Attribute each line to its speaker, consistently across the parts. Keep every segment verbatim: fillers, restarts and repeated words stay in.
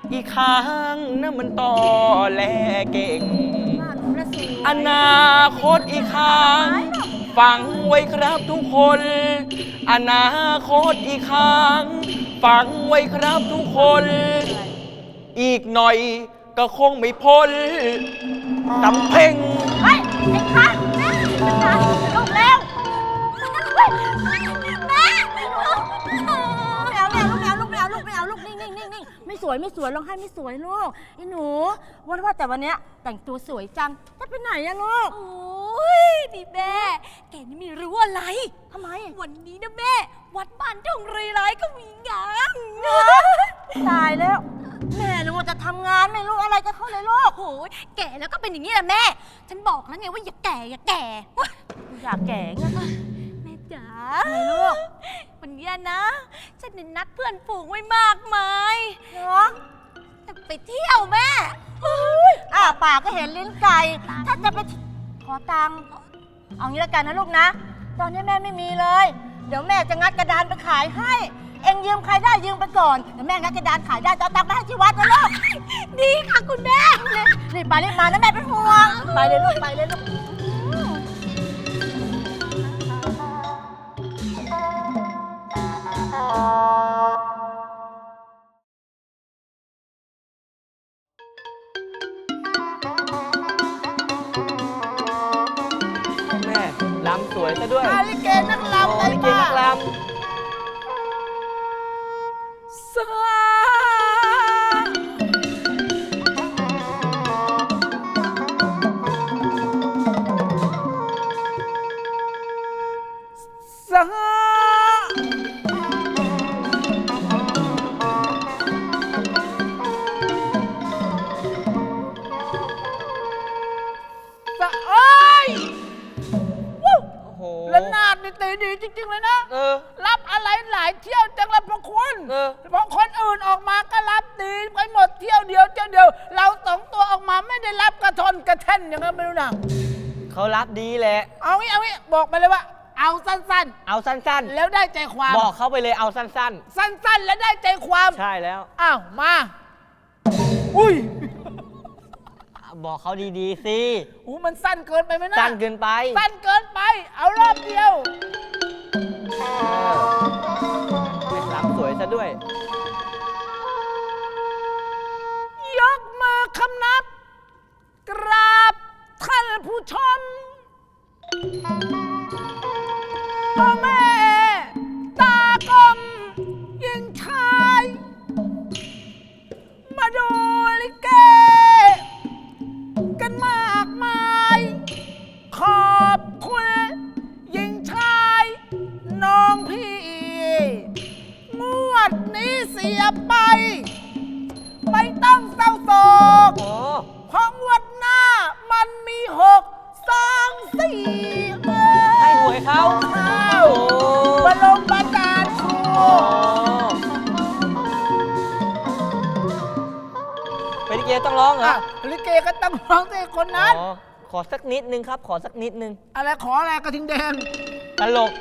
Speaker 1: อีกครั้งนะมันต่อแลเก่ง
Speaker 2: บ้านหนูละสวย
Speaker 1: อนาคตอีกครั้งฟังไว้ครับทุกคน อนาคตอีกครั้งฟังไว้ครับทุกคน อีกหน่อยก็คงไม่พ้นตำเพ่ง
Speaker 2: เฮ้ยไอ้คันแม่ลูกเร็วเฮ้ยแม่ไม่เอาไม่เอาลูกไม่เอาลูกไม่เอาลูกไม่เอาลูกนิ่งนิ่งนิ่งนิ่งไม่สวยไม่สวยร้องไห้ไม่สวยลูกไอ้หนูว่าว่าแต่วันเนี้ยแต่งตัวสวยจังจะไปไหนอะลูก
Speaker 3: โอ้ยนี่แม่ แกนี่ไม่รู้อะไร
Speaker 2: ทำไม
Speaker 3: วันนี้นะแม่ วัดบ้านทองเรไรก็มีงาน
Speaker 2: ตายแล้ว แม่นึกว่าจะทำงานไม่รู้อะไรจะเข้าเลยลูก
Speaker 3: โอ้ยแก่แล้วก็เป็นอย่างนี้แหละแม่ ฉันบอกแล้วไงว่าอย่าแก่อย่าแก่ว้า
Speaker 2: อยากแก่ไง
Speaker 3: แม่จ๋า
Speaker 2: ไงลูก
Speaker 3: วันนี้นะ ฉันเนี่ยนัดเพื่อนฝูงไว้มากมาย
Speaker 2: เนาะ
Speaker 3: จะไปเที่ยวแม่
Speaker 2: อ่าปากก็เห็นลิ้นไก่ถ้าจะไปขอตังค์เอางี้ละกันนะลูกนะ ตอนนี้แม่ไม่มีเลย เดี๋ยวแม่จะงัดกระดานไปขายให้ เอ็งยืมใครได้ยืมไปก่อน เดี๋ยวแม่งัดกระดานขายได้จะเอาตังค์ไปให้ที่วัดนะลูก
Speaker 3: ดีค่ะคุณแม่
Speaker 2: รีบไปรีบมานะแม่เป็นห่วง ไปเลยลูกไปเลยลูก
Speaker 1: แม่ลำสวยซะด้วย
Speaker 2: อาลิเกนัก
Speaker 1: โอ้
Speaker 2: ลำได้
Speaker 1: ลิเก
Speaker 2: ป้า
Speaker 1: นักล
Speaker 2: สาสาสะเอ้ยวู้
Speaker 1: ำโอ้โห
Speaker 2: แล้วนาดนี่ตีดีจริง ๆ เลยนะ
Speaker 1: เออ
Speaker 2: รับอะไรหลายเที่ยวจังเลยพระคุณ
Speaker 1: เออ
Speaker 2: พอคนอื่นออกมาก็รับดีไปหมดเที่ยวเดียวเที่ยวเดียว เราสองตัวออกมาไม่ได้รับกระทนกระแท่นอย่างนั้นไม่รู้นะ
Speaker 1: เขารับดีแหละ
Speaker 2: เอางี้เอางี้บอกไปเลยว่า เอาสั้น
Speaker 1: เอาสั้น
Speaker 2: ๆ แล้วได้ใจความ
Speaker 1: ๆ บอกเขาไปเลยเอาสั้น
Speaker 2: สั้นๆ แล้วได้ใจความ
Speaker 1: ๆ ใช่แล้ว
Speaker 2: อ้าวมา อุ้ย
Speaker 1: บอกเขาดีๆสิ
Speaker 2: หูมันสั้นเกินไปไหมนะ
Speaker 1: สั้นเกินไป
Speaker 2: สั้นเกินไป เอารอบเดียว
Speaker 1: เออลำสวยซะด้วย
Speaker 2: ยกมือคำนับ กราบท่านผู้ชมพ่อแม่ตากลมยิงชาย มาดูลิเก กันมากมาย ขอบคุณยิงชาย น้องพี่ งวดนี้เสียไป ไม่ต้องเศร้าโศก
Speaker 1: โอ้
Speaker 2: เพราะงวดหน้ามันมีหกสองสี่เออ
Speaker 1: ให้หวยเขา
Speaker 2: ข้า
Speaker 1: โอ้
Speaker 2: วบรมบาจารย์ครู
Speaker 1: โอ้เป็นลิเกต้องร้องเหรอ
Speaker 2: อ่ะลิเกก็ต้องร้องสิคนนั้น
Speaker 1: อ๋อขอสักนิดนึงครับ ขอสักนิดนึง
Speaker 2: อะไรขออะไรกระทิงแดง
Speaker 1: ตลก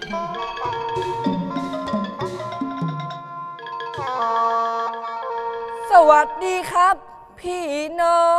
Speaker 4: สวัสดีครับ พี่น้อง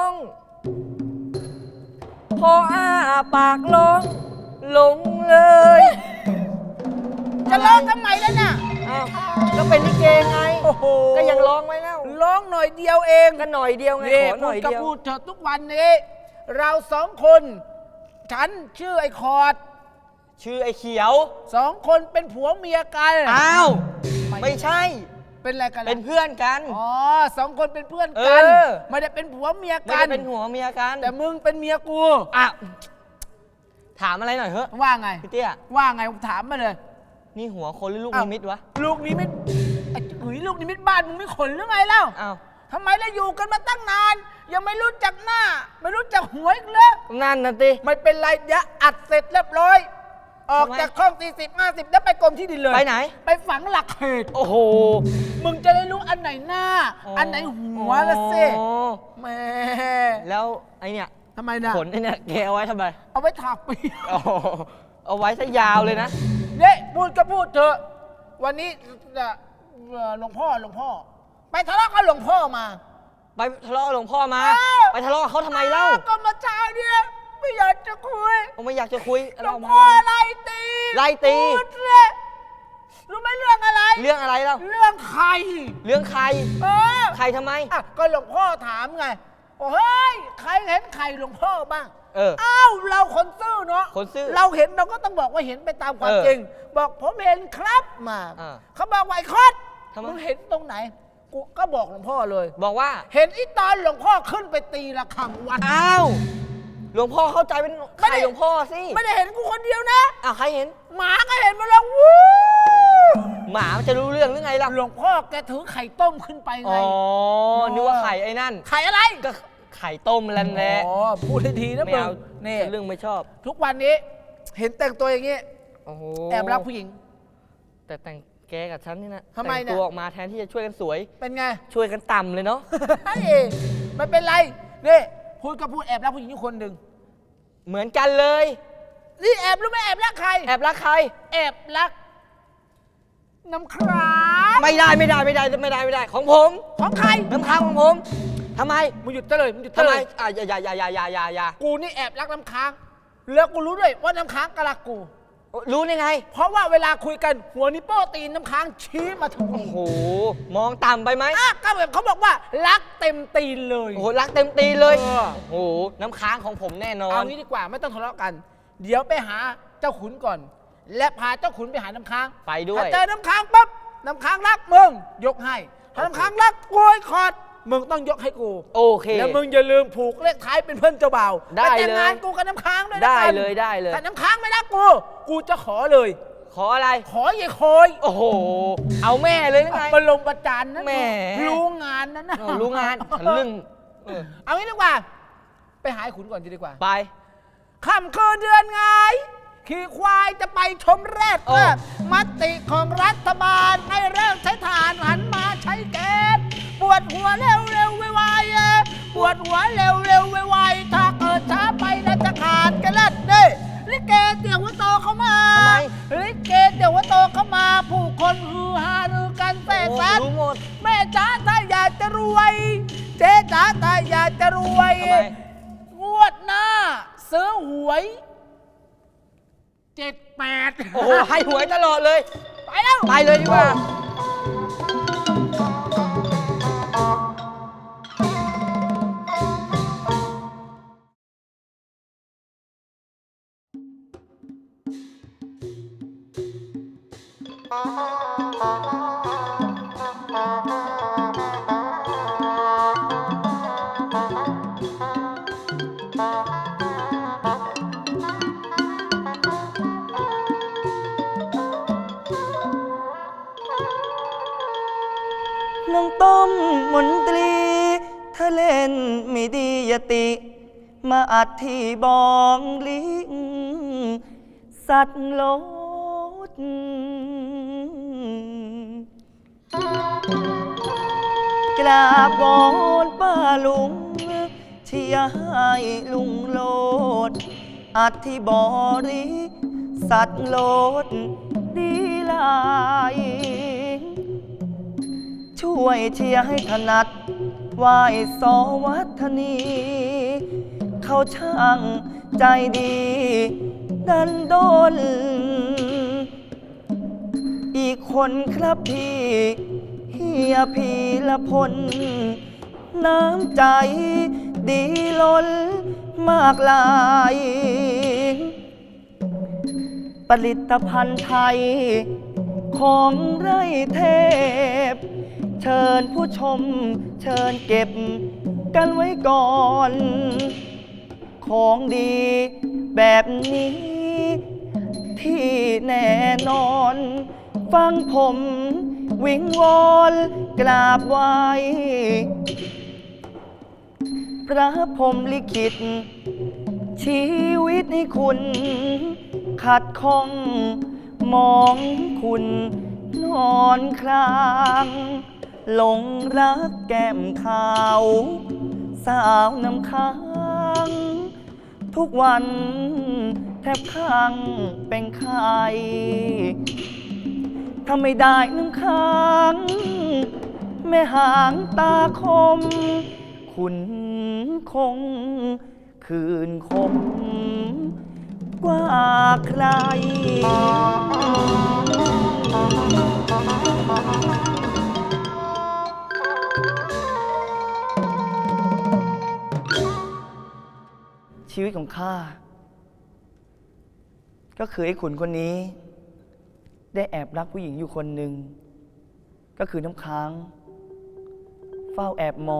Speaker 4: พออ้าปากร้องหลงเลย
Speaker 2: จะร้องทำไมแล้วน่ะ
Speaker 4: อ้าวก็เป็นลิเกไง
Speaker 2: โอ้โห
Speaker 4: ก็ยังร้องไว้แล้ว
Speaker 2: ร้องหน่อยเดียวเอง
Speaker 4: ก็หน่อยเดียวไง
Speaker 2: นี่
Speaker 4: ขอห
Speaker 2: พู
Speaker 4: น่
Speaker 2: ด
Speaker 4: อย
Speaker 2: ก็
Speaker 4: เดียว
Speaker 2: พูดเถอะทุกวันนี้ เราสองคน ฉันชื่อไอ้คอร์ด
Speaker 1: ชื่อไอ้เขียว
Speaker 2: สองคนเป็นผัวเมียกัน
Speaker 1: อ้าว ไม่ใช่
Speaker 2: เป็นอะไรกันล่ะ
Speaker 1: เป็นเพื่อนกัน
Speaker 2: อ๋อสองคนเป็นเพื่อนกัน
Speaker 1: เออ
Speaker 2: ไม่ได้เป็นผัวเมีย
Speaker 1: ไม่
Speaker 2: กั
Speaker 1: ได้
Speaker 2: น
Speaker 1: เป็นหัวเมียกัน
Speaker 2: แต่มึงเป็นเมียกู
Speaker 1: อ่ะ ถามอะไรหน่อยเถอะ
Speaker 2: ว่าไง
Speaker 1: พี่เตี้ย
Speaker 2: ว่าไงถามมาเลย
Speaker 1: นี่หัวคนหรือลูก
Speaker 2: อ้าว
Speaker 1: นิมิตวะ
Speaker 2: ลูกนิมิตไอ้หุยลูกนิมิตบ้านมึงไม่ขนหรือไงเล่า
Speaker 1: อ้าว
Speaker 2: ทำไมเราอยู่กันมาตั้งนาน ยังไม่รู้จักหน้า ไม่รู้จักหัวอีกเลย
Speaker 1: นั่นน่ะสิ
Speaker 2: ไม่เป็นไรเดี๋ยวอัดเสร็จเรียบร้อย ออก
Speaker 1: ทำไม
Speaker 2: จากห้องสี่สิบห้าสิบแล้วไปกรมที่ดินเลย
Speaker 1: ไปไหน
Speaker 2: ไปฝังหลักเขต
Speaker 1: โอ้โห
Speaker 2: มึงจะได้รู้อันไหนหน้า อันไหนหัวละสิ
Speaker 1: โอ้
Speaker 2: แหม่
Speaker 1: แล้วไอเนี่ย
Speaker 2: ทำไมนะ
Speaker 1: ขนไอเนี่ยแกเอาไว้ทำไม
Speaker 2: เอาไว้ถากปี
Speaker 1: โอ้โหเอาไว้ซะยาวเลยนะ
Speaker 2: เนี่ยพูดก็พูดเถอะ วันนี้เอ่อหลวงพ่อหลวงพ่อ ไป
Speaker 5: ไปทะเลาะกับหลวงพ่อมา
Speaker 1: ไปทะเลาะกับหลวงพ่อมา
Speaker 5: เออ
Speaker 1: ไปทะเลาะกับเขาทำไมเล่า
Speaker 5: ก็มาเช้าเนี่ยไม่อยากจะคุย
Speaker 1: ผมไม่อยากจะคุย
Speaker 5: หลว
Speaker 1: เรา
Speaker 5: ง
Speaker 1: มา
Speaker 5: พ่อไล่ตี
Speaker 1: ไล่ตี
Speaker 5: พูดเลยรู้ไหมเรื่องอะไร
Speaker 1: เรื่องอะไรเล่า
Speaker 5: เรื่องใคร
Speaker 1: เรื่องใคร
Speaker 5: เออ
Speaker 1: ใครทำไม
Speaker 5: อ่ะก็หลวงพ่อถามไงโอ้เฮ้ยใครเห็นใครหลวงพ่อบ้าง
Speaker 1: เออ
Speaker 5: อ้าวเราคนซื่อเนาะ
Speaker 1: คนซื่อ
Speaker 5: เราเห็นเราก็ต้องบอกว่าเห็นไปตามความ
Speaker 1: เออ
Speaker 5: จริง บอกผมเห็นครับมา
Speaker 1: อ่า
Speaker 5: เขาบอกไวคอด
Speaker 1: ทำไม
Speaker 5: มึงเห็นตรงไหนกูก็บอกหลวงพ่อเลย
Speaker 1: บอกว่า
Speaker 5: เห็นอีตอนหลวงพ่อขึ้นไปตีระฆังวัด
Speaker 1: อ้าว หลวงพ่อเข้าใจเป็นใครหลวงพ่อสิ
Speaker 5: ไม่ได้เห็นกูคนเดียวนะ
Speaker 1: อ้าวใครเห็น
Speaker 5: หมาก็เห็นมาแล้ววู้
Speaker 1: หมามันจะรู้เรื่องหรือไงล่ะ
Speaker 5: หลวงพ่อแกถือไข่ต้มขึ้นไปไง
Speaker 1: อ๋อ นึกว่าไข่ไอ้นั่น
Speaker 5: ไข่อะไร
Speaker 1: ก็ไข่ต้มแล้วแหละ
Speaker 5: อ๋อพูดให้ทีนะ
Speaker 1: ไม่
Speaker 5: มึง
Speaker 1: เอา
Speaker 5: นี่
Speaker 1: เรื่องไม่ชอบ
Speaker 5: ทุกวันนี้เห็นแต่งตัวอย่างนี้
Speaker 1: โอ้โห
Speaker 5: แอบรักผู้หญิง
Speaker 1: แต่แต่งแกกับฉันนี่นะ
Speaker 5: ทำไมเนี่ย
Speaker 1: แต่งตัวออกมาแทนที่จะช่วยกันสวย
Speaker 5: เป็นไง
Speaker 1: ช่วยกันต่ำเลยเนาะ
Speaker 5: เฮ้ยไม่เป็นไรนี่พูดก็พูดแอบรักผู้หญิงอยู่คนหนึ่ง
Speaker 1: เหมือนกันเลย
Speaker 5: นี่แอบรู้ไหมแอบรักใคร
Speaker 1: แอบรักใคร
Speaker 5: แอบรัก น้ำคราม
Speaker 1: ไม่ได้ไม่ได้ไม่ได้ไม่ได้ไม่ได้ ของผม
Speaker 5: ของใคร
Speaker 1: น้ำค้างของผมทำไม
Speaker 5: มึงหยุดซะเลยมึงหยุดซะ
Speaker 1: ทำไม
Speaker 5: เลย
Speaker 1: อ่ะอย่าอย่าอย่าอย่าอย่าอย่าอย่า
Speaker 5: กูนี่แอบรักน้ำค้าง แล้วกูรู้ด้วยว่าน้ำค้างก็รักกู
Speaker 1: รู้ได้ไง
Speaker 5: เพราะว่าเวลาคุยกันหัวนิ้วโป้ตีนน้ำค้างชี้มาถึง
Speaker 1: โอ้โห มองต่ำไปไหม
Speaker 5: อ่ะก็แบบเขาบอกว่ารักเต็มตีนเลย
Speaker 1: โอ้โห รักเต็มตีเลย
Speaker 5: เออ
Speaker 1: โอ้โห น้ำค้างของผมแน่นอ
Speaker 5: เอา
Speaker 1: น
Speaker 5: งี้ดีกว่าไม่ต้องทะเลาะกัน เดี๋ยวไปหาเจ้าขุนก่อน และพาเจ้าขุนไปหาน้ำค้าง
Speaker 1: ไปด้วย
Speaker 5: ถ้าเจอน้ำค้างปั๊บน้ำค้างรักมึงยกให้ถ้าน้ำค้างรักกูไอ้คอดมึงต้องยกให้กู
Speaker 1: โอเค
Speaker 5: แล้วมึงอย่าลืมผูกเลขท้ายเป็นเพื่อนเจ้าบ่าว
Speaker 1: ได้
Speaker 5: ปแต่งงาน
Speaker 1: เลย
Speaker 5: กูกับน้ำค้างด้วยนะ
Speaker 1: ได้
Speaker 5: กัน
Speaker 1: เลยได้เลย
Speaker 5: แต่น้ำค้างไม่รักกู กูจะขอเลย
Speaker 1: ขออะไร
Speaker 5: ขออย่าโคย
Speaker 1: โอ้โห เอาแม่เลยหรือไง
Speaker 5: มาลงประจานนั่น
Speaker 1: แหม
Speaker 5: รู้งานนั่นนะ
Speaker 1: เออรู้งานฉันเรื่องเออ
Speaker 5: เอางี้ดีกว่า ไปหาไอ้ขุนก่อนดีกว่า
Speaker 1: ไป
Speaker 5: ค่ำคืนเดือนไงขี่ควายจะไปชมแรด
Speaker 1: โอ้
Speaker 5: มติของรัฐบาลให้เลิกใช้ถ่านหันมาใช้แก๊สปวดหัวเร็วเร็วไวๆเอ้ยปวดหัวเร็วเร็วไวๆถ้าเกิดช้าไปน่าจะขาดกันแล้วเด้ลิเกเดี๋ยวว่าโตเข้ามา
Speaker 1: ทำไม
Speaker 5: ลิเกเดี๋ยวว่าโตเข้ามา ผู้คนฮือฮารือกันแส
Speaker 1: โอ้
Speaker 5: สัน
Speaker 1: รู้หมด
Speaker 5: แม่จ๋าถ้าอยากจะรวย เจ๊จ๋าถ้าอยากจะรวย
Speaker 1: ทำไม
Speaker 5: งวดหน้าซื้อหวยเจ็ดแปด
Speaker 1: โอ้โห ให้หวยตลอดเลย
Speaker 5: ไปแล้ว
Speaker 1: ไปเลยดีกว่า น้องต้มมนตรีถ้าเล่นไม่ดีอย่าติ มาอัดที่บองลิง สัตว์โลด กราบวอนป้าลุงเชียร์ให้ลุงโลด อัดที่บอริ สัตว์โลด ดีลาย ช่วยเชียร์ให้ถนัดไหวสวัฒนี เขาช่างใจดี ดันดน อีกคนครับพี่เฮียพีละพล น้ำใจดีล้นมากลาย ผลิตภัณฑ์ไทย ของไร่เทพ เชิญผู้ชมเชิญเก็บกันไว้ก่อน ของดีแบบนี้ ที่แน่นอน ฟังผมวิงวอนกราบไหว้ พระพรหมลิขิต ชีวิตให้คุณ ขัดข้องมองคุณนอนคลางหลงรักแก้มขาว สาวน้ำค้าง ทุกวันแทบข้างเป็นไข้ถ้าไม่ได้น้ำค้างแม่หางตาคม คุณคง คืนคม กว่าใคร ชีวิตของข้า ก็คือไอ้ขุนคนนี้ ได้แอบรักผู้หญิงอยู่คนหนึ่ง ก็คือน้ำค้าง เฝ้าแอบมอง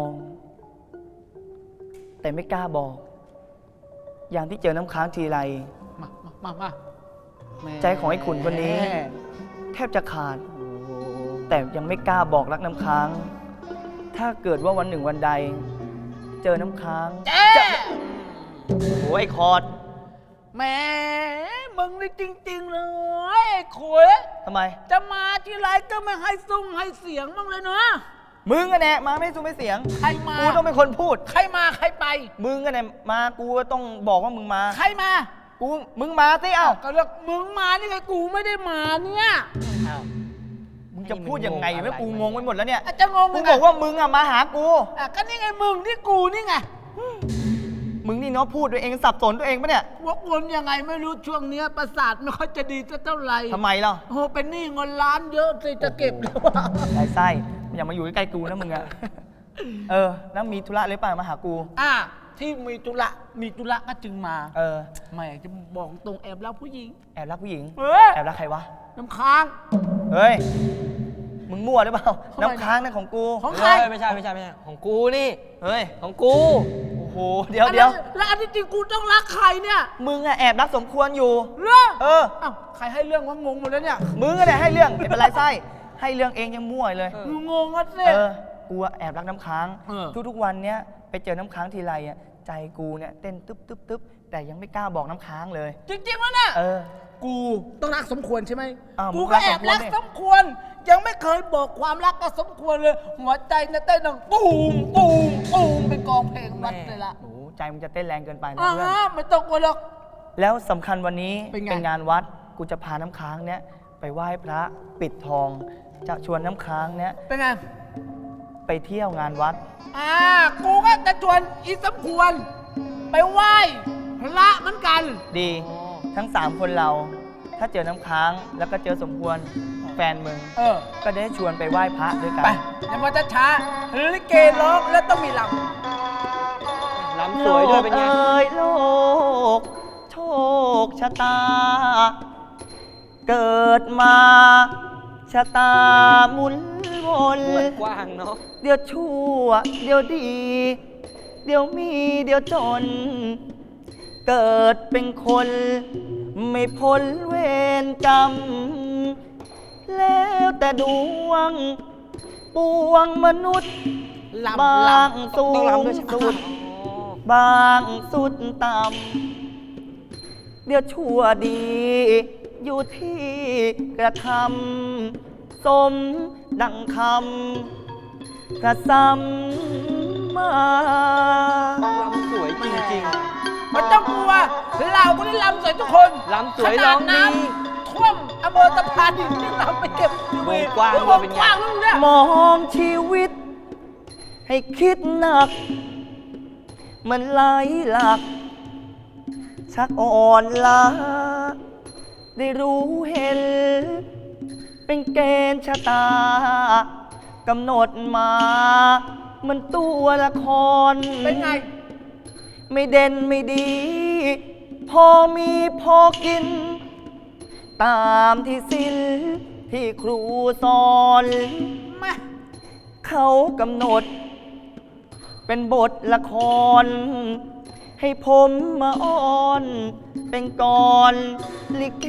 Speaker 1: แต่ไม่กล้าบอก อย่างที่เจอน้ำค้างทีไร
Speaker 5: มามามาแม่
Speaker 1: ใจของไอ้ขุนคนนี้ แทบจะขาด
Speaker 5: โอ้โห
Speaker 1: แต่ยังไม่กล้าบอกรักน้ำค้าง ถ้าเกิดว่าวันหนึ่งวันใด เจอน้ำค้าง
Speaker 5: เจ๊
Speaker 1: โอ้ยคอร์ด
Speaker 5: แหม่มึงนี่จริง ๆ เลยไอ้ขวย
Speaker 1: ทำไม
Speaker 5: จะมาที่ไรก็ไม่ให้ซุ้งให้เสียงบ้างเลยเนาะ
Speaker 1: มึงอะแน่มาไม่สู้ไม่เสียง
Speaker 5: ใครมา
Speaker 1: กูต้องเป็นคนพูด
Speaker 5: ใครมาใครไป
Speaker 1: มึงอะแน่มากูก็ต้องบอกว่ามึงมา
Speaker 5: ใครมา
Speaker 1: กูมึงมาสิเอ้า
Speaker 5: ก็เลือกมึงมานี่ไงกูไม่ได้มาเนี่ย
Speaker 1: มึงจะพูดยังไงไม่กูงงไปหมดแล้วเนี่ย
Speaker 5: อาจจะงง
Speaker 1: กู
Speaker 5: ยังไง
Speaker 1: บอกว่ามึงอะมาหากู
Speaker 5: อ่ะก็นี่ไงมึงนี่กูนี่ไง
Speaker 1: มึงนี่เนาะพูดตัวเองสับสนตัวเองปะเนี่ย
Speaker 5: วกวนยังไงไม่รู้ช่วงเนี้ยประสาทไม่ค่อยจะดีสักเท่าไหร่
Speaker 1: ทำไมล่ะ
Speaker 5: โอ้โหเป็นหนี้เงินล้านเยอะสิจะเก็บหรือเปล่า
Speaker 1: ไอ้ไส้อย่ามาอยู่ใกล้ๆกูนะมึงอะเออ แล้วมีธุระหรือเปล่ามาหากู
Speaker 5: อ่ะที่มีตุละมีตุละก็จึงมา
Speaker 1: เออ
Speaker 5: แหม่จะบอกตรงแอบรักผู้หญิง
Speaker 1: แอบรักผู้หญิง
Speaker 5: เออ
Speaker 1: แอบรักใครวะ
Speaker 5: น้ำค้าง
Speaker 1: เฮ้ย มึงมั่วหรือเปล่า
Speaker 5: ทำไม
Speaker 1: น้ำค้างนั่นของกู
Speaker 5: ของใคร
Speaker 4: เฮ้ยไม่ใช่ไม่ใช่ไม่ใช่ ของกูนี่
Speaker 1: เฮ้ย
Speaker 4: ของกู
Speaker 1: โอ้โห เดี๋ยวเดี๋ยว
Speaker 5: แล้วอันที่จริงกูต้องรักใครเนี่ย
Speaker 1: มึงอะแอบรักสมควรอยู่
Speaker 5: เรื่อง
Speaker 1: เออ
Speaker 5: อ้าวใครให้เรื่องว่างงหมดแล้วเนี่ย
Speaker 1: มึงก็ได้ให้เรื่องไม่เป็นไรไส้ ให้เรื่องเองยังมั่วเลย
Speaker 4: เออ
Speaker 5: มึงงงอ่ะสิ
Speaker 1: เออ กูอะแอบรักน้ำค้าง
Speaker 5: เออ
Speaker 1: ทุกๆวันเนี้ยไปเจอน้ำค้างทีไรอะใจกูเนี่ยเต้นตึ๊บตึ๊บตึ๊บแต่ยังไม่กล้าบอกน้ำค้างเลย
Speaker 5: จริงๆแล้วเนี่ย
Speaker 1: เออ
Speaker 5: กูต้องรักสมควรใช่ไหม
Speaker 1: อ้าว
Speaker 5: กู
Speaker 1: มึง
Speaker 5: ก็
Speaker 1: รัก
Speaker 5: แอบรัก
Speaker 1: ส
Speaker 5: ส
Speaker 1: ม
Speaker 5: ม
Speaker 1: ค
Speaker 5: คว ว
Speaker 1: ร
Speaker 5: ร ยังไม่เคยบอกความรักก็สมควรเลย หัวใจเนี่ยเต้นดังตูมตูมตูมเป็นกองเพลงวัดเลยล่ะ
Speaker 1: โอ้โหใจมึงจะเต้นแรงเกินไปนะ
Speaker 5: อ่า
Speaker 1: เพื่อน
Speaker 5: ฮะไม่ต้องกลัวหรอก
Speaker 1: แล้วสำคัญวันนี้
Speaker 5: เป็นไง
Speaker 1: งานวัด กูจะพาน้ำค้างเนี่ยไปไหว้พระปิดทอง จะชวนน้ำค้างเนี่ย
Speaker 5: เป็นไง
Speaker 1: ไปเที่ยวงานวัด
Speaker 5: อ่า กูก็จะชวนอีสมควร ไปไหว้พระเหมือนกัน
Speaker 1: ดี ทั้งสามคนเรา ถ้าเจอน้ำค้างแล้วก็เจอสมควรแฟนมึง
Speaker 5: เออ
Speaker 1: ก็ได้ชวนไปไหว้พระด้วยกั
Speaker 5: ไป
Speaker 1: น
Speaker 5: อย่ามาช้าลิเกร้องแล้วต้องมีล
Speaker 4: ลำสวยด้วยเป็นไง
Speaker 1: โลกเอ้ยโลก โชคชะตา เกิดมาชะตาหมุนวน
Speaker 4: กว้างเนาะ
Speaker 1: เดี๋ยวชั่ว เดี๋ยวดี เดี๋ยวมีเดี๋ยวจน เกิดเป็นคน ไม่พ้นเวรกรรม แล้วแต่ดวง ปวงมนุษย์
Speaker 5: ำลำ
Speaker 1: บา
Speaker 5: ล
Speaker 1: งสู
Speaker 4: ต้อง
Speaker 1: ง
Speaker 4: ลำด้วยใช่ไหม
Speaker 1: สุด
Speaker 4: อ๋อ
Speaker 1: บางสุดต่ำ เดี๋ยวชั่วดี อยู่ที่กระทำสมดังคำกระซ้ำมา
Speaker 4: ลำสวยจริง
Speaker 5: ำไม่ต้องกลัว เราก็ได้ลำสวยทุกคน
Speaker 4: ลำสวยร้องดี
Speaker 5: ขนาน้ำท่วมอโมตะพานดินที่เราไปเก็บ
Speaker 4: วงกว้าง
Speaker 5: ว
Speaker 4: ด้วย
Speaker 5: ง
Speaker 4: เป็นไง
Speaker 5: กว้างลูกเนี่ย
Speaker 1: มองชีวิต ให้คิดหนัก มันไหลหลัก ชักอ่อนล้า ได้รู้เห็น เป็นเกณฑ์ชะตากำหนดมา มันตัวละคร
Speaker 5: เป็นไง
Speaker 1: ไม่เด่นไม่ดี พอมีพอกิน ตามที่ศิลที่ครูสอน
Speaker 5: แม่
Speaker 1: เขากำหนด เป็นบทละคร ให้ผมมาอ้อน เป็นกรลิเก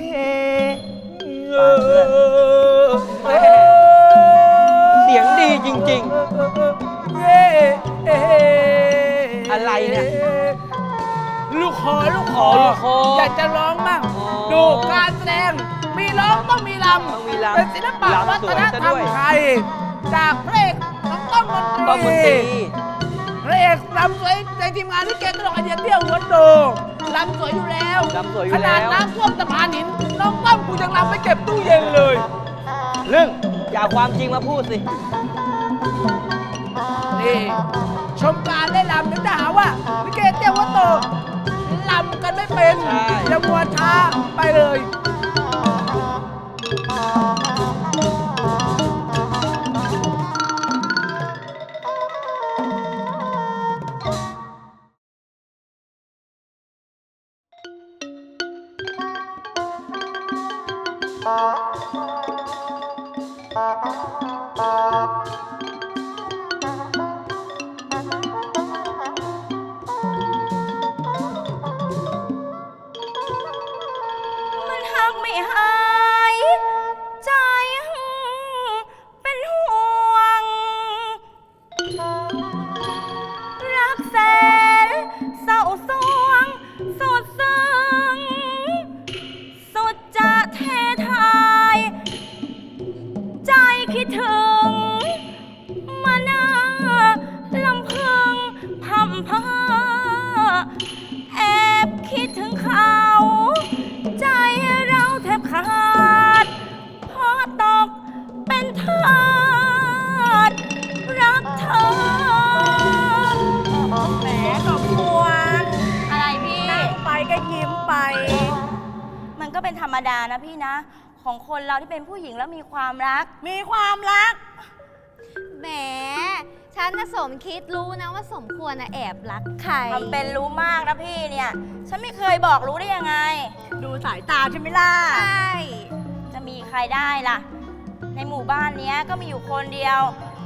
Speaker 4: เสียงดีจริง
Speaker 5: เย้เอ๊
Speaker 4: อะไรเนี่ย
Speaker 5: ลูกคอลูกคอ
Speaker 4: ลูกคอ
Speaker 5: อยากจะร้องมั่ง
Speaker 4: อ๋อ
Speaker 5: ดูการแสดง มีร้องต้องมีล
Speaker 4: ต้องมี
Speaker 5: ำ
Speaker 4: ลำ
Speaker 5: เป็นศิลปะ
Speaker 4: ลำ
Speaker 5: วั
Speaker 4: ส
Speaker 5: ฒ
Speaker 4: วย
Speaker 5: น
Speaker 4: ซะ
Speaker 5: ธรร
Speaker 4: ด้
Speaker 5: ม
Speaker 4: วย
Speaker 5: ไทย จากพระเอกน้องต้อมมนตรี
Speaker 4: ต้องมนตรี
Speaker 5: พระเอกลำสวยในทีมงานที่เกตตลกไอเดียเที่ยวหัวโตลำสวยอยู่แล้ว
Speaker 4: ลำสวยอยู่
Speaker 5: ขนาด
Speaker 4: แล้ว
Speaker 5: น้ำท่วมสะพานหิน น้องต้อมกูยังลำไปเก็บตู้เย็นเลย
Speaker 1: เรื่อง
Speaker 4: อย่าเอาความจริงมาพูดสิ
Speaker 5: นี่ชมการได้ลำนึกจะหาว่าวิเกเตียววัตโตลำกันไม่เป็น
Speaker 1: ใช่
Speaker 5: อย่ามัวช้าไปเลย
Speaker 2: มันหักไม่หายใจเป็นห่วง รักแสนเศร้าสวงสุดซึ้งสุดจะเททาย ใจคิดถึงมานาลำพึงพำเพอแอบคิดถึงเขา ใจเราแทบขาดเพราะตกเป็นทาสรักเธอ
Speaker 4: แหมสมควร
Speaker 2: อะไรพี่
Speaker 4: นั่งไปก็ยิ้มไป
Speaker 2: มันก็เป็นธรรมดานะพี่นะ ของคนเราที่เป็นผู้หญิงแล้วมีความรัก
Speaker 4: มีความรัก
Speaker 3: แหม ฉันน่ะสมคิดรู้นะว่าสมควรนะแอบรักใคร
Speaker 2: ทำเป็นรู้มากนะพี่เนี่ย ฉันไม่เคยบอกรู้ได้ยังไง
Speaker 4: ดูสายตาใช่ไหมล่ะ
Speaker 3: ใช่
Speaker 2: จะมีใครได้ล่ะ ในหมู่บ้านเนี้ยก็มีอยู่คนเดียว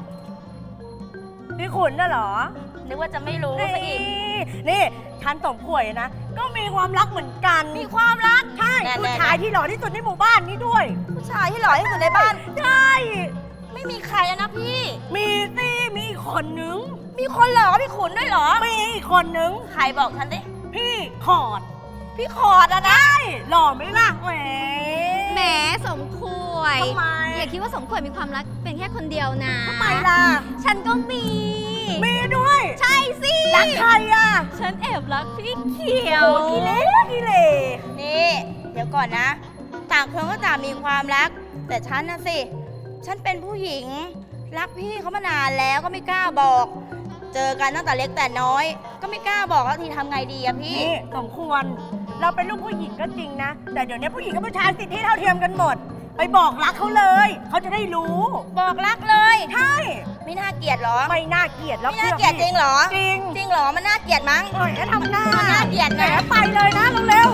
Speaker 4: พี่ขุนน่ะเหรอ
Speaker 2: นึกว่าจะไม่รู้ซะอีก
Speaker 4: นี่นี่ฉันสมขวยนะ ก็มีความรักเหมือนกัน
Speaker 2: มีความรัก
Speaker 4: ใช่
Speaker 2: แน่ๆ
Speaker 4: ผู้ชายที่หล่อที่สุดในหมู่บ้านนี้ด้วย
Speaker 2: ผู้ชายที่หล่อที่สุดในบ้าน
Speaker 4: ใช่
Speaker 2: ไม่มีใครแล้วนะพี่
Speaker 4: มีสิมีอีกคนนึง
Speaker 2: มีคนหล่อพี่ขุนด้วยเหรอ
Speaker 4: มีอีกคนนึง
Speaker 2: ใครบอกฉันดิ
Speaker 4: พี่ขอด
Speaker 2: พี่ขอดอะนะ
Speaker 4: หล่อไหมล่ะแหม
Speaker 3: แหมสมควร
Speaker 4: ทำไม
Speaker 3: อย่าคิดว่าสมควรมีความรักเป็นแค่คนเดียวนะ
Speaker 4: ทำไมล่ะ
Speaker 3: ฉันก็มี
Speaker 4: มีด้วย
Speaker 3: ใช่สิ
Speaker 4: รักใครอ่ะ
Speaker 3: ฉันแอบรักพี่เขียว
Speaker 4: โอ้กิเลกิเล
Speaker 2: นี่ เดี๋ยวก่อนนะ ต่างคนก็ต่างมีความรัก แต่ฉันนะสิ ฉันเป็นผู้หญิง รักพี่เขามานานแล้วก็ไม่กล้าบอก เจอกันตั้งแต่เล็กแต่น้อย ก็ไม่กล้าบอกแล้วทีทำไงดีอะพี่
Speaker 4: นี่สมควร เราเป็นลูกผู้หญิงก็จริงนะ แต่เดี๋ยวนี้ผู้หญิงกับผู้ชายสิทธิเท่าเทียมกันหมด ไปบอกรักเขาเลย เขาจะได้รู้
Speaker 2: บอกรักเลย
Speaker 4: ใช่
Speaker 2: ไม่น่าเกลียดเหรอ
Speaker 4: ไม่น่าเกลียดแล้ว
Speaker 2: ไม่น่าเกลียดจริงเหรอ
Speaker 4: จริง
Speaker 2: จริงเหรอ มันน่าเกลียดมั้ง
Speaker 4: หน่อยก็ทำหน้า
Speaker 2: มันน่าเกลียดนะ
Speaker 4: แหมไปเลยนะเร็ว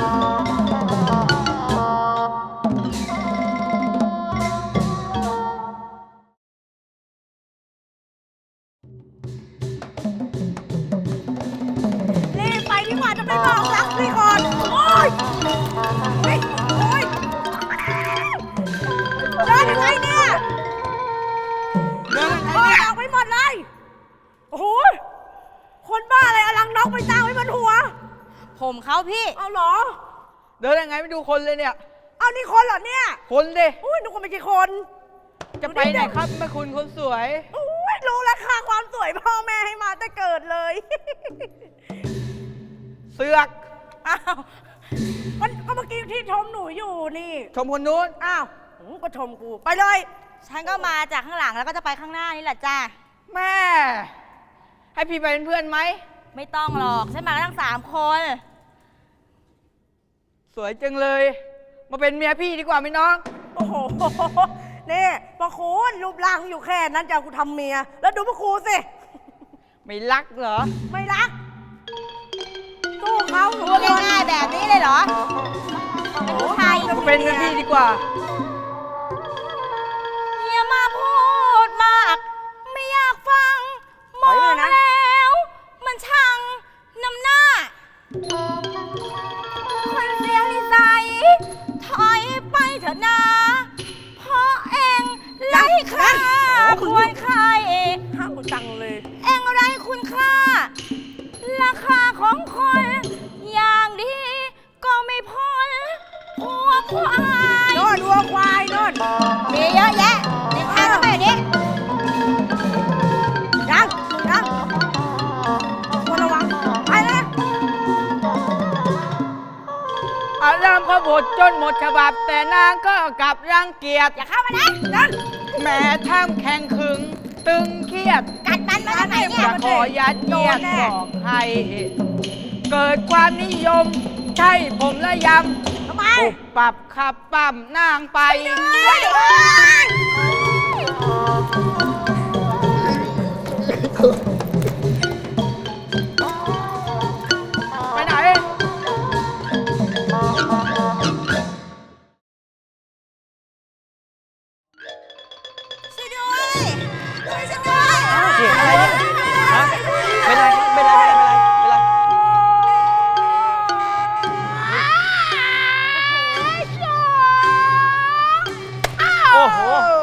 Speaker 4: ๆรีบไปดีกว่าจะไปบอกรักพี่ก่อนโอ๊ยเฮ้ยโอ๊ยเดินยังไงเนี่ย
Speaker 1: เดิน
Speaker 4: ถอดออกไปหมดเลย โอ้โห คนบ้าอะไรอลังนกไปตั้งไว้บนหัว
Speaker 2: ผมเขาพี่
Speaker 4: เอาเหรอ
Speaker 1: เดินยังไงไม่ดูคนเลยเนี่ย
Speaker 4: เอานี่คนเหรอเนี่ย
Speaker 1: คนดิ
Speaker 4: อุ้ยนึกว่าไม่ใช่คน
Speaker 1: จะไปไหนครับแม่คุณคนสวย
Speaker 4: อุ้ยรู้ราคาความสวยพ่อแม่ให้มาแต่เกิดเลย
Speaker 1: เสือก
Speaker 4: อ้าวก็ก็เมื่อกี้ที่ชมหนูอยู่นี่
Speaker 1: ชมคนนู้น
Speaker 4: อ้าวอืมก็ชมกู ไปเลย
Speaker 2: ฉันก็มาจากข้างหลังแล้วก็จะไปข้างหน้านี่แหละจ้า
Speaker 1: แม่ ให้พี่ไปเป็นเพื่อนไหม
Speaker 2: ไม่ต้องหรอก ฉันมากันทั้งสามคน
Speaker 1: สวยจังเลย มาเป็นเมียพี่ดีกว่าไหมน้อง
Speaker 4: โอ้โห นี่ปะคุณรูปร่างอยู่แค่นั้นจะเอากูทำเมีย แล้วดูปะครูสิ
Speaker 1: ไม่รักเหรอ
Speaker 4: ไม่รัก สู้เขา
Speaker 2: พูดง่ายๆแบบนี้เลยเหรอ เป็นผู้ชาย
Speaker 1: มาเป็นเมียพี่ดีกว่า
Speaker 2: อย่ามาพูดมาก ไม่อยากฟัง ม
Speaker 4: ถ
Speaker 2: อ
Speaker 4: อย
Speaker 2: ง
Speaker 4: เลยนะ
Speaker 2: แล้ว มันช่างนำหน้า คนเสียนิสัย ถอยไปเถอะนะเพราะเองไร้ค่าควรใคร
Speaker 4: ห้ามกูจังเลย
Speaker 2: เองไรคุณค่า ราคาของคน อย่างดีก็ไม่พ้นหัวควาย
Speaker 4: โน่นวัวควายโน่น
Speaker 2: มีเยอะแยะในทางเข้าไปนี้
Speaker 4: ยังยังควรระวัง ไปเลย
Speaker 1: อารามเขาบทจนหมดฉบับ แต่นางก็กลับรังเกียจ
Speaker 2: อย่าเข้ามานะ
Speaker 4: นั่น
Speaker 1: แหม้ท่ามแข่งขึง
Speaker 5: ตึงเครียด
Speaker 2: กัดมันมาจากไหนเนี่
Speaker 5: จะ
Speaker 2: ย
Speaker 5: ขอยัดเยียดบอกใคร เกิดความนิยม ใช่ผมละย
Speaker 2: ทำไม
Speaker 5: ำปุบปับขับปั๊มนางไป ไปไหน
Speaker 2: ช่วยด้วยช่วยฉันด้วย
Speaker 1: เสียงอะไรเนี่ยฮะเป็นไรครับเป็นไรเป็นไรเป็นไรเป็นไรโอ้โห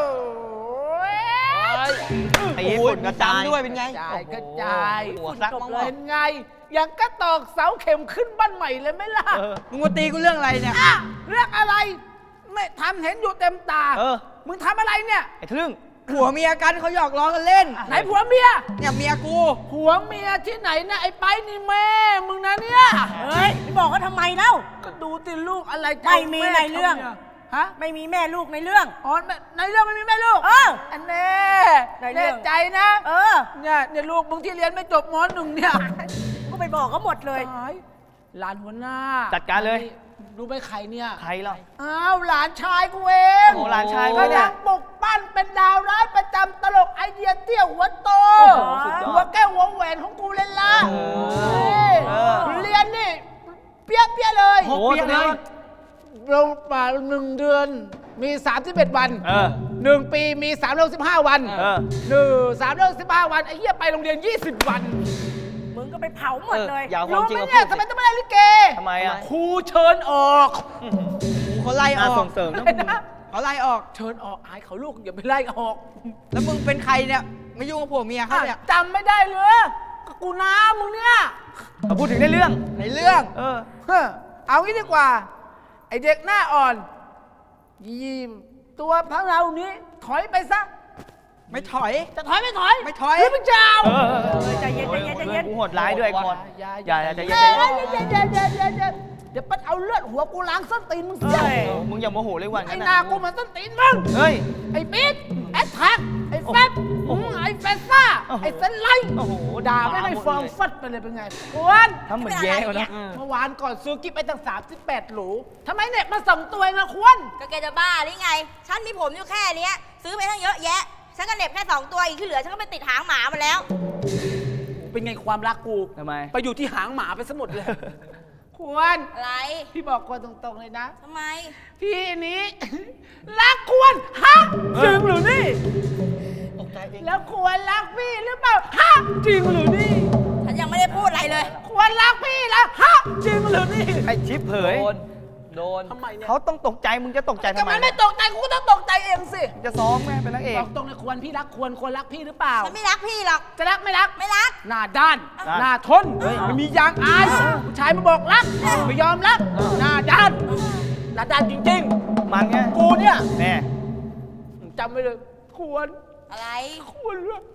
Speaker 1: ตีฝุ่นกระจายด้วยเป็นไง
Speaker 5: กระจายกระจาย
Speaker 1: หัวซักมั้งวะ
Speaker 5: เป็นไง อย่างกระตอกเสาเข็มขึ้นบ้านใหม่เลยไหมล่ะ
Speaker 1: เออมึงมาตีกูเรื่องอะไรเนี่ย
Speaker 5: อ่ะเรื่องอะไร ไม่ทำเห็นอยู่เต็มตา
Speaker 1: เออ
Speaker 5: มึงทำอะไรเนี่ย
Speaker 1: ไอ้ทะลึ่ง
Speaker 6: ผัวเมียกันเขาหยอกล้อกันเล่น
Speaker 5: ไหนผัวเมีย
Speaker 6: เนี่ยเมียกู
Speaker 5: ผัวเมียที่ไหนนะไอ้ไปนี่แม่มึงนะเนี่ย
Speaker 4: เฮ้ยไม่บอกเขาทำไมเล่า
Speaker 5: ก็ดูติลูกอะไรจะ
Speaker 4: ไม่มี
Speaker 5: า
Speaker 4: ในเรื่อง
Speaker 5: ทำนี่ยฮะ
Speaker 4: ไม่มีแม่ลูกในเรื่อง
Speaker 5: อ๋อในในเรื่องไม่มีแม่ลูก
Speaker 4: เออ
Speaker 5: อันแน่
Speaker 4: ในเรื่
Speaker 5: แน่
Speaker 4: อง
Speaker 5: ใจนะ
Speaker 4: เออ
Speaker 5: เนี่ยเนี่ยลูกมึงที่เรียนไม่จบมหนึ่งเนี่ย
Speaker 4: ก็ไปบอกเขาหมดเลย
Speaker 5: ตายหลานหัวหน้า
Speaker 1: จัดการเลย
Speaker 5: รู้ไหมใครเนี่ย
Speaker 1: ใครเล่า
Speaker 5: อ้าวหลานชายกูเอง
Speaker 1: โอ้หลานชาย
Speaker 5: ก
Speaker 1: กูเนี่ย
Speaker 5: ำลังปลุกปั้นเป็นดาวร้ายประจำตลกไอเดียเตี้ยวหัวโต
Speaker 1: โอ้โหสุดยอด
Speaker 5: หัวแก้วหัวแหวนของกูเลยล่ะ
Speaker 1: โอ้โห
Speaker 5: นี่
Speaker 1: เออ
Speaker 5: เรียนนี่เปี้ยเปี้ยๆเลย
Speaker 1: โอ้โหแสดงว่า
Speaker 5: เราป่าหนึ่งเดือนมีสามสิบเอ็ดวัน
Speaker 1: เออ
Speaker 5: หนึ่งปีมีสามร้อยสิบห้าวัน
Speaker 1: เออ
Speaker 5: หนึ่งสามร้อยสิบห้าวันไอ้เหี้ยไปโรงเรียนยี่สิบวัน
Speaker 4: มึงก็ไปเผาหมดเลย
Speaker 1: เอออย่า ความจริง
Speaker 5: ไหม
Speaker 1: มา
Speaker 5: เนี่ย
Speaker 1: พูดสิ
Speaker 5: ทำไมต้องไม่ได้ลิเก
Speaker 1: ทำไมอ่ะ
Speaker 5: ครูเชิญออก
Speaker 6: เขาไล่อ
Speaker 1: น่า
Speaker 6: อก
Speaker 1: ส่งเสริมนะ
Speaker 5: อะไรนะ
Speaker 6: เขาไล่ออก
Speaker 5: เชิญออกอายเขาลูกอย่าไปไล่ออก
Speaker 6: แล้วมึงเป็นใครเนี่ยไม่ยุ่งกับผัวเมียเขาเนี่ย
Speaker 5: จำไม่ได้เลยก็กูน้ามึงเนี่ย
Speaker 1: มาพูดถึงในเรื่อง
Speaker 6: ในเรื่อง
Speaker 1: เออ
Speaker 5: เฮ้อเอางี้ดีกว่า ไอเด็กหน้าอ่อนยีมตัวพระเรานี้ถอยไปซะ
Speaker 6: ไม่ถอย
Speaker 5: จะถอยไม่ถอย
Speaker 6: ไม่ถอย
Speaker 5: หรือมึงจะเอา
Speaker 1: เออเออเออ
Speaker 4: เออใจเย็นใจเย็นใจเย็น
Speaker 1: กูโหดร้ายด้วยไอ้คน
Speaker 5: อย่า
Speaker 1: อย่าอย่าใจ
Speaker 5: เดี๋
Speaker 1: เย็
Speaker 5: ยวน
Speaker 1: ใจ
Speaker 5: เดี๋
Speaker 1: เย็
Speaker 5: ยวน เดี๋ยวเดี๋ยวเดี๋ยวเดี๋ยวเดี๋ยวปัดเอาเลือดหัวกูล้างส้นตีนมึงเสีย
Speaker 1: เออมึงอย่าโมโหเลยวัน
Speaker 5: ไอ้
Speaker 1: นั้น
Speaker 5: หน้า
Speaker 1: น่ะ
Speaker 5: กูเหมือนส้นตีนมึง
Speaker 1: เฮ้ย
Speaker 5: ไอ้ปิ๊ดไอ้แท็กไอ้แฟบ
Speaker 1: โอ้โห
Speaker 5: ไอ้เฟซ่า
Speaker 1: โอ้โห
Speaker 5: ไอ้เซนไลท์
Speaker 1: โอ้โห
Speaker 5: ด่าไม่
Speaker 1: ด่า
Speaker 5: ได้
Speaker 1: หมด
Speaker 5: ฟอง
Speaker 1: เลย
Speaker 5: ฟัดไปเลยเป็นไงกวน
Speaker 1: ทำเหมือนแย่เขานะ
Speaker 5: เมื่อวานก่อนซื้อกิ๊บไปตั้งสามสิบแปดหลูทำไมเน็ตมาส่งตัวเองอะควร
Speaker 2: ก็แกจะบ้าหรือไง ฉันมีผมอยู่แค่เนี้ย ซื้อไปตั้งเยอะแยะ ฉันก็เหน็บแค่สองตัวอีกที่เหลือฉันก็ไปติดหางหมามาแล้ว
Speaker 5: เป็นไงความรักกู
Speaker 1: ทำไม
Speaker 5: ไปอยู่ที่หางหมาไปซะหมดเลย ควร
Speaker 2: อะไร
Speaker 5: พี่บอกควรตรงๆเลยนะ
Speaker 2: ทำไม
Speaker 5: พี่นี้ รักควรฮะจริงหรือนี่
Speaker 1: ตกใจเอง
Speaker 5: แล้วควรรักพี่หรือเปล่าฮะจริงหรือนี่
Speaker 2: ฉันยังไม่ได้พูดอะไรเลย
Speaker 5: ควรรักพี่แล้วฮะจริงหรือนี่
Speaker 1: ไอ้ชิปเผย โดน
Speaker 5: ทำไมเนี่ย
Speaker 1: เขาต้องตกใจ มึงจะตกใจทำ
Speaker 5: ก็
Speaker 1: ไม
Speaker 5: มันไม่ตกใจกูก็ต้องตกใจเองสิ
Speaker 1: มึงจะซ้อมไงเป็นนางเอก
Speaker 5: บอกตรงเลยควรพี่รักควรควรรักพี่หรือเปล่า
Speaker 2: ฉันไม่รักพี่หรอก
Speaker 5: จะรักไม่รัก
Speaker 2: ไม่รัก
Speaker 5: หน้าด้าน
Speaker 1: ด้าน
Speaker 5: หน้าทน
Speaker 1: เฮ้ย
Speaker 5: ไม่มียางอายผู้ชายมาบอกรักไม่ยอมรักหน้าด้านหน้าด้านจริง
Speaker 1: มันไง
Speaker 5: ๆ กูเนี่ย
Speaker 1: แน่
Speaker 5: จำไว้เลยควร
Speaker 2: อะไร
Speaker 5: ควรรัก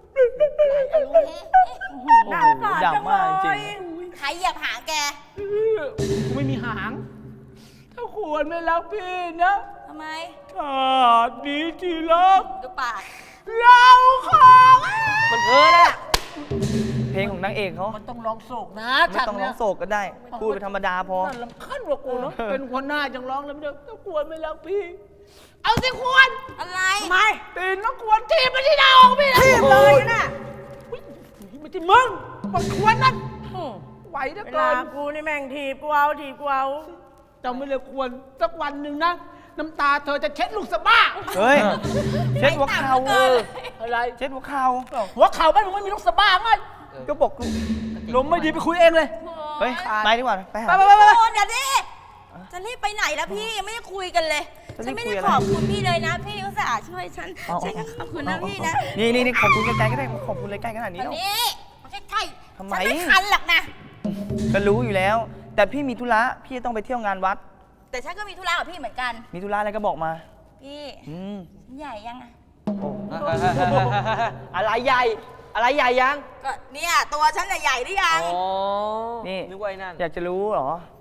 Speaker 4: น่าสงสารจัง
Speaker 1: ดำมากจ
Speaker 4: เล
Speaker 1: ริ
Speaker 4: ย
Speaker 1: ง
Speaker 2: ใครเหยียบหางแก
Speaker 5: กูไม่มีหาง ถ้าควรไม่รักพี่นะ
Speaker 2: ทำไม
Speaker 5: ชาตินี้ที่รัก
Speaker 2: ดูปาก
Speaker 5: เราของ
Speaker 1: มันเพ้อแล้วเพลงของนางเอกเขา
Speaker 5: มันต้องร้องโศกนะ
Speaker 1: ไม่ต้องร้องโศกก็ได้ พูดไปธรรมดาพอ
Speaker 5: น่าลำคัญกว่ากูเนาะ เป็นคนหน้าจังร้องแล้วไม่ได้ถ้าควรไม่รักพี่ เอาสิควร
Speaker 2: อะไร
Speaker 4: ทำไม
Speaker 5: ตีนน้องควรทีบไปที่ดาวของพี่นะ
Speaker 4: ทีบเลยน่ะ
Speaker 5: อุ๊ยไม่ใช่มึงมันควรนั่นไหวเหลือ
Speaker 4: เว
Speaker 5: เกิ
Speaker 4: ลาน กูนี่แม่งถีบกูเอาถีบกูเอา
Speaker 5: จำไม่เลยควรสักวันหนึ่งนะ น้ำตาเธอจะเช็ดลูกสะบ้า
Speaker 1: เฮ้ย เช็ดหัวเข่าเออ
Speaker 5: อะไร
Speaker 1: เช็ดหัวเข่า
Speaker 5: หัวเข่าบ้านมึงไม่มีลูกสะบ้าไง
Speaker 1: ก็บอกกู
Speaker 5: ลมไม่ดีไปคุยเองเลย
Speaker 1: เฮ้ย ไปดีกว่า ไปหา
Speaker 5: ไปไปไปไป
Speaker 2: โอ้เดี๋ยวดิจะรีบไปไหนแล้วพี่ยังไม่ได้คุยกันเลย
Speaker 1: จะรี
Speaker 2: ฉัน
Speaker 1: บ
Speaker 2: ไม่
Speaker 1: คุ
Speaker 2: ได้
Speaker 1: ยอะไร
Speaker 2: ขอบคุณพี่เลยนะ พี่อุตส่าห์ช่วยฉัน
Speaker 1: เอา
Speaker 2: ฉันก็ขอบคุณนะพี่นะ
Speaker 1: นี่นี่นี่ขอบคุณใกล้ๆก็ได้ขอบคุณเลยใกล้ขนาดนี้
Speaker 2: วัน
Speaker 1: แล้ว
Speaker 2: นี้มาใกล้ๆ
Speaker 1: ทำไม
Speaker 2: ฉันไม่คันหรอกนะ
Speaker 1: ก็รู้อยู่แล้ว แต่พี่มีธุระ พี่จะต้องไปเที่ยวงานวัด
Speaker 2: แต่ฉันก็มีธุระกับพี่เหมือนกัน
Speaker 1: มีธุระอะไรก็บอกมา
Speaker 2: พี่
Speaker 1: อืม
Speaker 2: ฉันใหญ่ยังอะ
Speaker 1: โอ้ อะไรใหญ่ อะไรใหญ่ยัง
Speaker 2: ก็เนี่ยตัวฉันน่ะใหญ่หรือยัง
Speaker 1: นี่ อยากจะรู้เหรอ